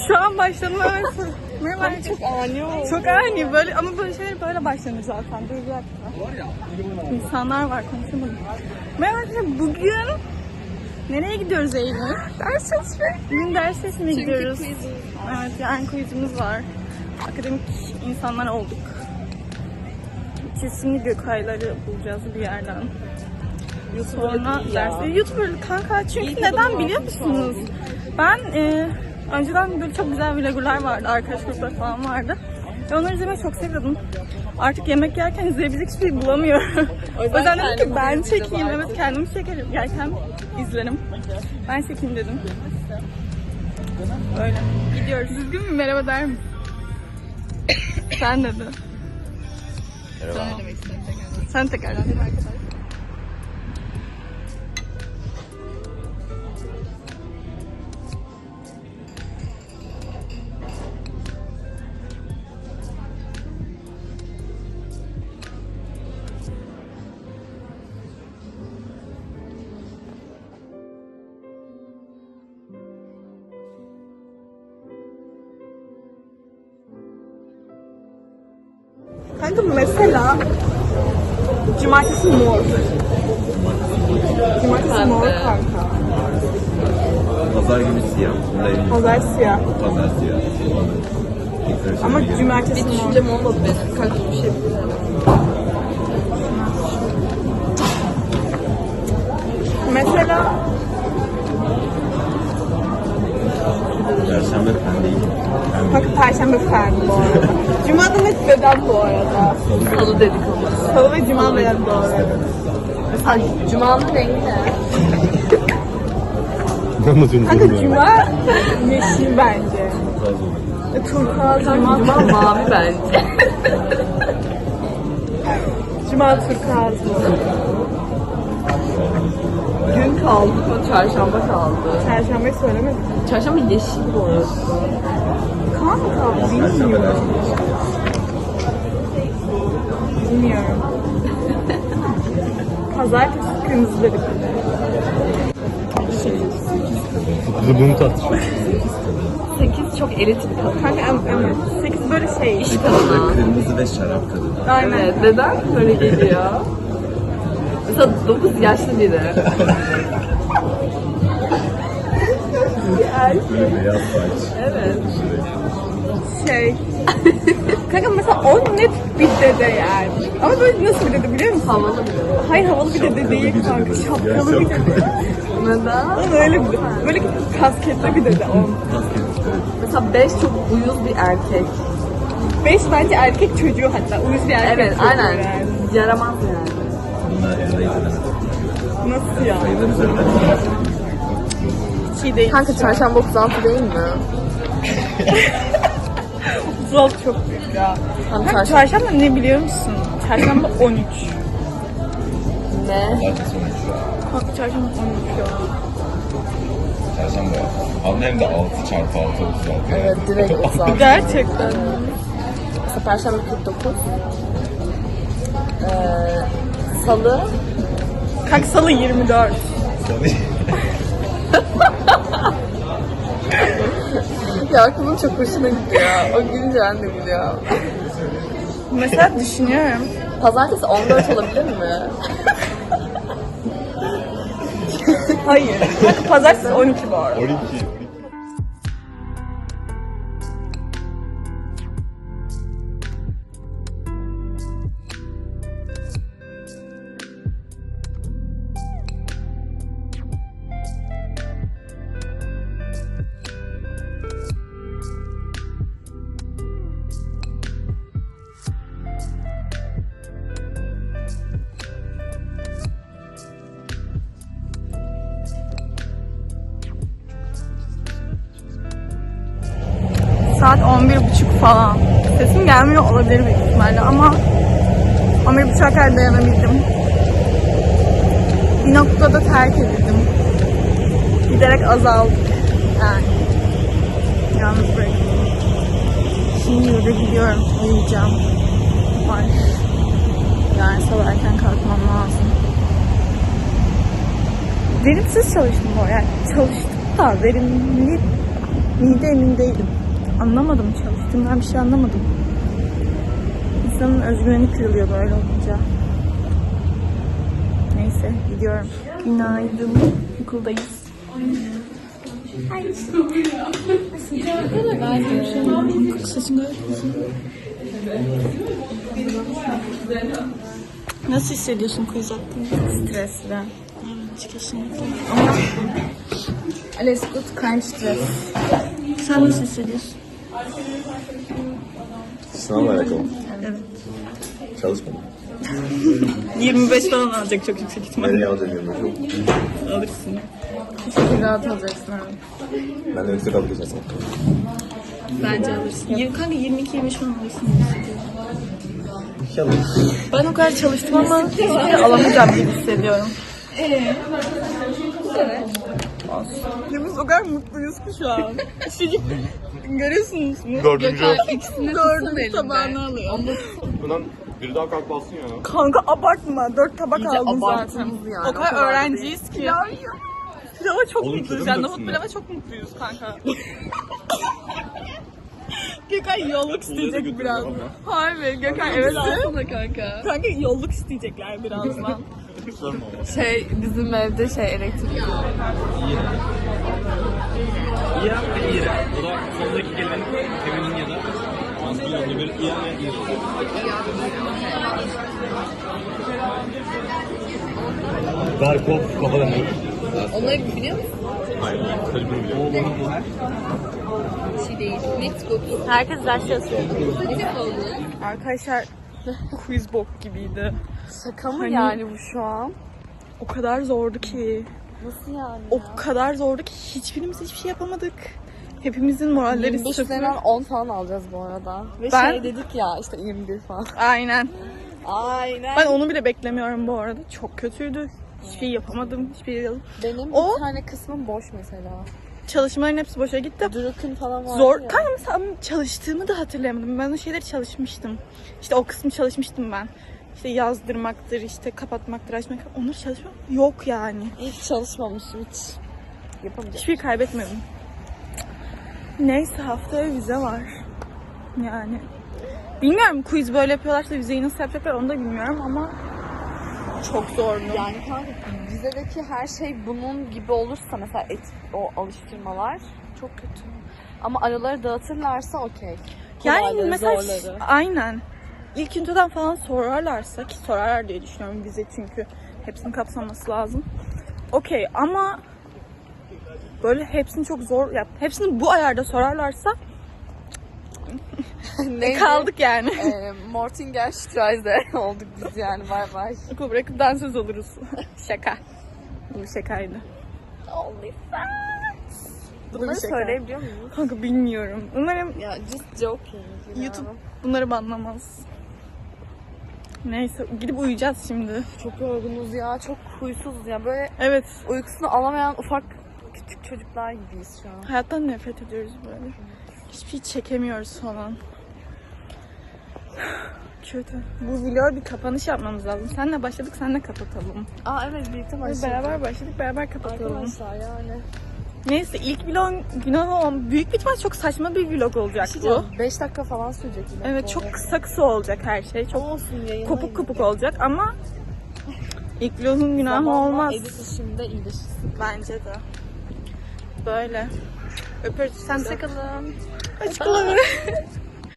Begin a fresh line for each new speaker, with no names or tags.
Şu an başladım evet. Merhaba.
Çok ani oldu.
Çok ani böyle ama böyle şeyler böyle başlanır zaten. Dur bir dakika. İnsanlar var konuşamadım. Merhaba arkadaşlar bugün nereye gidiyoruz Eylül? Ders çalışmaya. Bugün ders çalışmaya gidiyoruz. Evet yani quizimiz var. Akademik insanlar olduk. Kesinlikle Gökayları bulacağız bir yerden. Sonra dersi YouTuber kanka çünkü neden biliyor musunuz? Ben önceden böyle çok güzel vloggerlar vardı, arkadaş grupları falan vardı. Ve onları izlemeyi çok seviyordum. Artık yemek yerken izleyebilecek hiçbir şey bulamıyorum. O yüzden dedim ki ben çekeyim, evet kendimi çekerim. Yerken izlerim. Ben çekeyim dedim. Böyle gidiyoruz. Düzgün bir merhaba der misin? Sen dedi.
Merhaba.
Sen tekrardan değil mi arkadaşlar? Kanka mesela cumartesi mor. Cumartesi mor kanka.
Pazar günü siyah.
Pazar siyah.
Pazar siyah.
Ama cumartesi mor.
Düşüncem olmadı benim. Kanka bir şey bilmiyorum.
Mesela
Perşembe pembeyim.
kanka perşembe fen bu arada. Cuma'da net beden bu arada.
Salı dedik ama.
Salı ve cuma beden bu arada.
Ay, Cuma'nın rengi ne?
Kanka cuma yeşil bence. Turkuaz cuma.
Cuma mavi bence.
Cuma turkuaz bu.
Gün kaldı. Çarşamba kaldı.
Perşembe söylemedim.
Çarşamba yeşil bu arada.
Kanka bilmiyorum. Bilmiyorum. Pazartesi kırmızı dedik.
Bunu tat.
8 çok elit bir kadın.
Kanka evet. 8 böyle şey.
Kadına.
Kırmızı ve şarap kadını.
Aynen.
Evet. Neden böyle geliyor? Mesela 9 yaşlı biri.
Beyaz saç.
Evet.
Şey. Kanka mesela o net bir dede yani. Ama böyle nasıl bir dede biliyor musun?
Havalı biri.
Hayır havalı bir dede değil kanka. Şapkalı bir dede.
Neden?
Ama öyle bir böyle kasketli bir dede o.
Mesela 5 çok uyuz bir erkek.
5 bence erkek çocuğu hatta. Uyuz bir erkek
Evet,
çocuğu
aynen.
yani.
Yaramaz yani.
Bunlar elde edilemez.
Nasıl ya?
Sayılar üzerinden
Hiç iyi değil.
Kanka çarşamba 36 değil mi?
36 çok büyük ya.
Tam
Kanka çarşamba ne biliyor musun? Çarşamba 13.
Ne?
Zaten sonuç.
Kanka çarşamba 13 ya.
Çarşamba. Hem de 6 çarpı 6 36.
Evet, direkt 36.
Gerçekten.
Mesela Perşembe 49. Salı.
Kanka salı 24.
Ya aklımın çok hoşuna gidiyor. O gülünce ben de gülüyorum.
Mesela düşünüyorum.
Pazartesi 14 olabilir mi?
Hayır. Kanka pazartesi 12 bu arada.
12.
Saat 11.30 falan. Sesim gelmiyor olabilir büyük ihtimalle ama 11.30'a kadar dayanabildim. Bir noktada terk edildim. Giderek azaldı. Yani. Yalnız bırakıldım. Şimdi yurda gidiyorum. Uyuyacağım. Var. Yani sabah erken kalkmam lazım. Verimsiz çalıştım bu. Yani çalıştım da verimli İyi de emin değilim. Anlamadım, çalıştığımdan bir şey anlamadım. İnsanın özgüveni kırılıyor böyle olunca. Neyse, gidiyorum. Günaydın. Okuldayız. Saçın gayet güzel. Nasıl hissediyorsun quiz hakkında? Stresli. Evet, kesinlikle. Ama alles gut, kein Stress. Sen nasıl hissediyorsun?
Sınavla alakalı.
Evet.
Çalışmadım.
25 falan alacak çok yüksek ihtimalle.
Nereye alacağım çok.
Alırsın. Çok rahat alacaksın abi.
Ben de yüksek alıp geçersem.
Bence alırsın. Kanka 22-25 falan alırsın.
İnşallah.
Ben o kadar çalıştım ama hiçbir şey alamayacağım gibi hissediyorum. Biz o kadar mutluyuz ki şu an. Çocuk görüyorsunuz mu?
Dördüncü.
Dördüncü tabağını alıyor.
Bundan biri daha kalkmasın ya.
Kanka abartma. 4 tabak
İyice
aldım zaten.
abarttınız yani,
O
o
kadar
kadar da
öğrenciyiz ki. Pilava çok
Oğlum,
mutluyuz.
kötü
Yani
mü
nohut
döksünler?
pilava çok mutluyuz kanka. Gökhan yolluk isteyecek birazdan. Harbi Gökhan evet.
Alsana kanka.
Kanka yolluk isteyecekler birazdan.
Bizim evde elektrik.
İra ve İra. O da sondaki kelimenin feminin ya da maskülen olduğu bir İra ve İra. Garkov kafa demek.
Onları biliyor musun?
Hayır. Sadece bunu biliyorum.
Bir şey değil. Let's go.
Herkes ders çalışıyor. Arkadaşlar quiz bok gibiydi.
Şaka mı
Hani-
yani bu şu an?
O kadar zordu ki.
Nasıl yani
O kadar zordu ki hiçbirimiz hiçbir şey yapamadık. Hepimizin moralleri
25
sıfır.
üzerinden 10 falan alacağız bu arada. Ve
Ben-
dedik ya işte 21 falan.
Aynen.
Aynen.
Ben onu bile beklemiyorum bu arada. Çok kötüydü. Hiçbir şey yapamadım. Hiçbir şey yazdım.
Benim
O-
bir tane kısmım boş mesela.
Çalışmaların hepsi boşa gitti.
Duruk'un falan var
Zor.
ya.
Kanka mesela çalıştığımı da hatırlayamadım. Ben o şeyleri çalışmıştım. İşte o kısmı çalışmıştım ben. İşte yazdırmaktır, işte kapatmaktır, açmak. Onları çalışmam yok yani.
Hiç çalışmamışım hiç. Yapamayacağım.
Hiçbir kaybetmedim. Neyse haftaya vize var. Yani. Bilmiyorum quiz böyle yapıyorlarsa vizeyi nasıl yapacaklar onu da bilmiyorum ama çok zorlu.
Yani kanka vizedeki her şey bunun gibi olursa mesela o alıştırmalar çok kötü. Ama araları dağıtırlarsa okey.
Yani
Kolayları,
mesela
zorları.
aynen. İlk üniteden falan sorarlarsa ki sorarlar diye düşünüyorum vize çünkü hepsini kapsaması lazım. Okey ama böyle hepsini çok zor yap. Hepsini bu ayarda sorarlarsa
Neydi?
kaldık yani.
Mortinger Streise olduk biz yani bay bay.
Okul bırakıp dansöz oluruz. Şaka. Bu şakaydı. Bu da bir
Bunları
şaka.
söyleyebiliyor muyum?
Kanka bilmiyorum. Umarım
Ya just joking.
YouTube bunları banlamaz. Neyse gidip uyuyacağız şimdi.
Çok yorgunuz ya. Çok huysuzuz ya. Böyle
Evet.
uykusunu alamayan ufak küçük çocuklar gibiyiz şu an.
Hayattan nefret ediyoruz böyle. Hiçbir şey çekemiyoruz falan. Kötü. Bu vloga bir kapanış yapmamız lazım. Senle başladık, senle kapatalım.
Aa evet birlikte
Biz
başladık.
beraber başladık, beraber kapatalım.
Arkadaşlar yani.
Neyse ilk vlog büyük bir ihtimal çok saçma bir vlog olacak bu.
5 dakika falan sürecek yine.
Evet
bu
çok
arada.
kısa olacak her şey. Çok
olsun yayına
kopuk kopuk olacak ama ilk vlogun günahı
Zamanla
olmaz.
edit işinde iyileşirsin.
Bence de. Böyle. Öpürüz. Sen de.
Hoşçakalın.
Hoşçakalın.